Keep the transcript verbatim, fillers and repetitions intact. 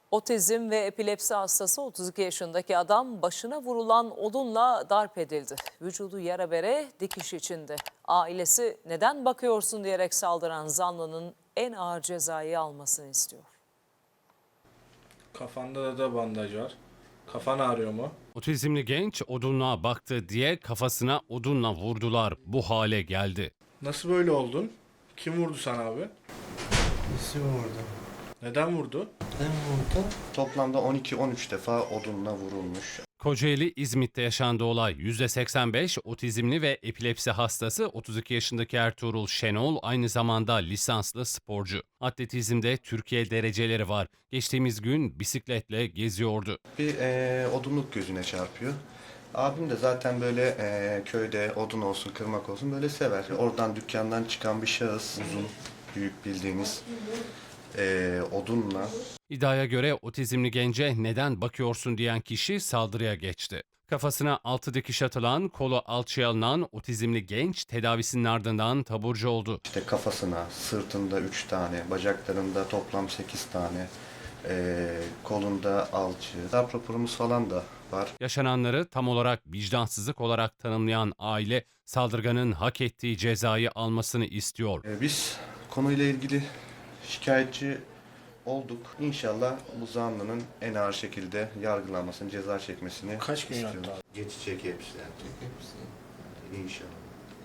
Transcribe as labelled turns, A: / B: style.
A: Otizm ve epilepsi hastası otuz iki yaşındaki adam başına vurulan odunla darp edildi. Vücudu yara bere dikiş içinde. Ailesi neden bakıyorsun diyerek saldıran zanlının en ağır cezayı almasını istiyor.
B: Kafanda da bandaj var. Kafan ağrıyor mu?
C: Otizmli genç odunluğa baktı diye kafasına odunla vurdular. Bu hale geldi.
B: Nasıl böyle oldun? Kim vurdu sana abi?
D: Birisi vurdu.
B: Neden vurdu?
D: Neden vurdu?
E: Toplamda on iki on üç defa odunla vurulmuş.
C: Kocaeli İzmit'te yaşandı olay. yüzde seksen beş otizmli ve epilepsi hastası otuz iki yaşındaki Ertuğrul Şenol aynı zamanda lisanslı sporcu. Atletizmde Türkiye dereceleri var. Geçtiğimiz gün bisikletle geziyordu.
E: Bir e, odunluk gözüne çarpıyor. Abim de zaten böyle e, köyde odun olsun, kırmak olsun böyle sever. Oradan dükkandan çıkan bir şahıs, uzun, büyük bildiğiniz e, odunla.
C: İddiaya göre otizmli gence neden bakıyorsun diyen kişi saldırıya geçti. Kafasına altı dikiş atılan, kolu alçıya alınan otizmli genç tedavisinin ardından taburcu oldu.
E: İşte kafasına, sırtında üç tane, bacaklarında toplam sekiz tane, e, kolunda alçı. Darp raporumuz falan da var.
C: Yaşananları tam olarak vicdansızlık olarak tanımlayan aile saldırganın hak ettiği cezayı almasını istiyor.
E: E, biz konuyla ilgili şikayetçi olduk. İnşallah bu zanlının en ağır şekilde yargılanmasını, ceza çekmesini
B: Kaç gün
E: istiyoruz.
B: yattı abi?
E: Geçecek hepsi. Hepsi. İnşallah.